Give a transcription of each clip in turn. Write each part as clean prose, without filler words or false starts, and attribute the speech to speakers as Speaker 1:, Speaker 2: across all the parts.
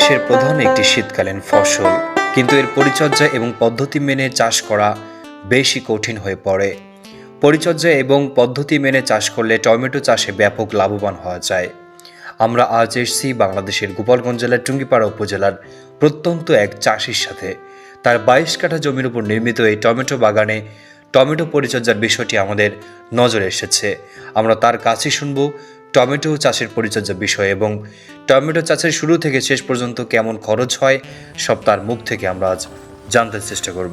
Speaker 1: দেশের প্রধান একটি শীতকালীন ফসল, কিন্তু এর পরিচর্যা এবং পদ্ধতি মেনে চাষ করা বেশি কঠিন হয়ে পড়ে। পরিচর্যা এবং পদ্ধতি মেনে চাষ করলে টমেটো চাষে ব্যাপক লাভবান হওয়া যায়। আমরা আজ এসেছি বাংলাদেশের গোপালগঞ্জ জেলার টুঙ্গিপাড়া উপজেলার প্রত্যন্ত এক চাষির সাথে। তার 22 কাঠা জমির উপর নির্মিত এই টমেটো বাগানে টমেটো পরিচর্যার বিষয়টি আমাদের নজরে এসেছে। আমরা তার কাছেই শুনবো টমেটো চাষের পরিচর্যা বিষয় এবং টমেটো চাষের শুরু থেকে শেষ পর্যন্ত কেমন খরচ হয় সব তার মুখ থেকে আমরা আজ জানতে চেষ্টা করব।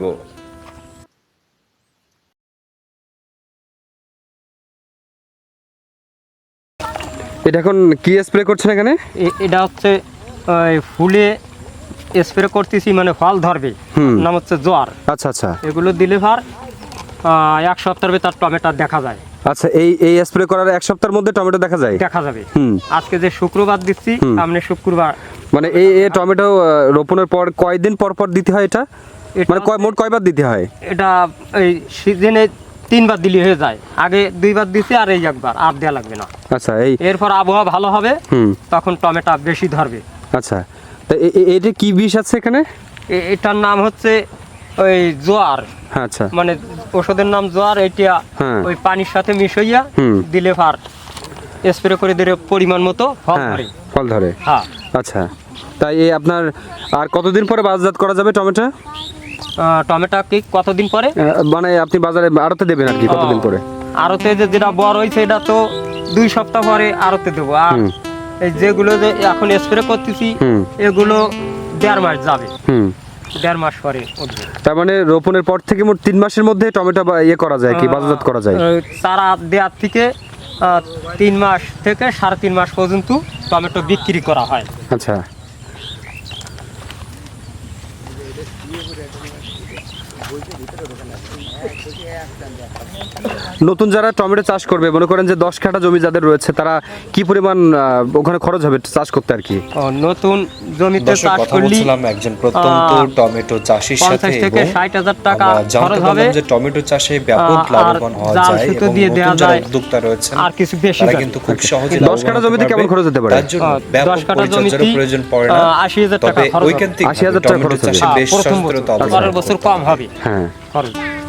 Speaker 2: এটা এখন কি স্প্রে করছেন এখানে?
Speaker 3: এটা হচ্ছে ফুলে স্প্রে করতেছি, মানে ফল ধরবে, নাম হচ্ছে জোয়ার।
Speaker 2: আচ্ছা আচ্ছা,
Speaker 3: এগুলো দিলে ভার 1 সপ্তাহের ভেতর টমেটো দেখা যায়।
Speaker 2: আচ্ছা, এই স্প্রে করার 1 সপ্তাহের মধ্যে টমেটো দেখা
Speaker 3: যাবে। আজকে যে শুক্রবার দিচ্ছি, সামনে শুক্রবার।
Speaker 2: মানে এই টমেটো রোপণের পর কয়দিন পর পর দিতে হয় এটা? মানে মোট কয়বার দিতে হয়?
Speaker 3: এটা এই সিজনে 3 বার দিলে হয়ে যায়। আগে 2 বার দিছি, আর এই একবার, আর দেওয়া লাগবে না।
Speaker 2: আচ্ছা,
Speaker 3: এরপর আবহাওয়া ভালো হবে, তখন টমেটো বেশি ধরবে।
Speaker 2: আচ্ছা, তা এটা কি বিষ আছে এখানে?
Speaker 3: এটার নাম হচ্ছে ওই জোয়ার।
Speaker 2: আচ্ছা,
Speaker 3: মানে ওষুধের নাম জোয়ার। এটা ওই পানির সাথে মিশাইয়া দিলে ফার স্প্রে করে দিলে পরিমাণ মতো ফল ধরে। হ্যাঁ,
Speaker 2: আচ্ছা, তাই এই আপনার আর কতদিন পরে বাজারজাত করা যাবে টমেটো?
Speaker 3: টমেটো কি কতদিন পরে?
Speaker 2: মানে আপনি বাজারে আড়তে দেবেন আর কি কতদিন পরে?
Speaker 3: আড়তে যেটা বড় হয়েছে এটা তো 2 সপ্তাহ পরে আড়তে দেবো। আর এই যেগুলো যে এখন স্প্রে করতেছি এগুলো 1.5 মাস যাবে। 1.5 মাস পরে উঠবে।
Speaker 2: তার মানে রোপণের পর থেকে মোট 3 মাসের মধ্যে টমেটো করা যায় কি বাজারজাত করা যায়?
Speaker 3: চারা দেওয়ার থেকে 3 মাস থেকে 3.5 মাস পর্যন্ত টমেটো বিক্রি করা হয়।
Speaker 2: আচ্ছা, নতুন যারা টমেটো চাষ করবে, মনে করেন যে 10 কাঠা জমি যাদের রয়েছে, তারা কি পরিমাণ ওখানে খরচ হবে চাষ করতে আর কি?
Speaker 3: নতুন জমিতে চাষ করলে
Speaker 1: একজন প্রত্যন্ত টমেটো চাষীর সাথে
Speaker 3: 50 থেকে 60,000 টাকা খরচ হবে।
Speaker 1: যে টমেটো চাষে ব্যাপক লাভবান হওয়া যায় এবং
Speaker 3: দিয়ে দেওয়া যায়
Speaker 1: উদ্যোক্তা রয়েছে,
Speaker 3: আর কিছু বেশি
Speaker 1: তারা কিন্তু খুব সহজে
Speaker 2: 10 কাঠা জমিতে কেমন খরচ হতে পারে?
Speaker 1: তার জন্য ব্যাপক
Speaker 3: 10 কাঠা জমিতে
Speaker 1: প্রয়োজন পড়ে না।
Speaker 3: 80,000 টাকা খরচ হবে।
Speaker 1: 80,000 টাকা খরচ হবে। বেশ সচেতনতা
Speaker 3: পরের বছর কম হবে
Speaker 2: হ্যাঁ
Speaker 3: খরচ।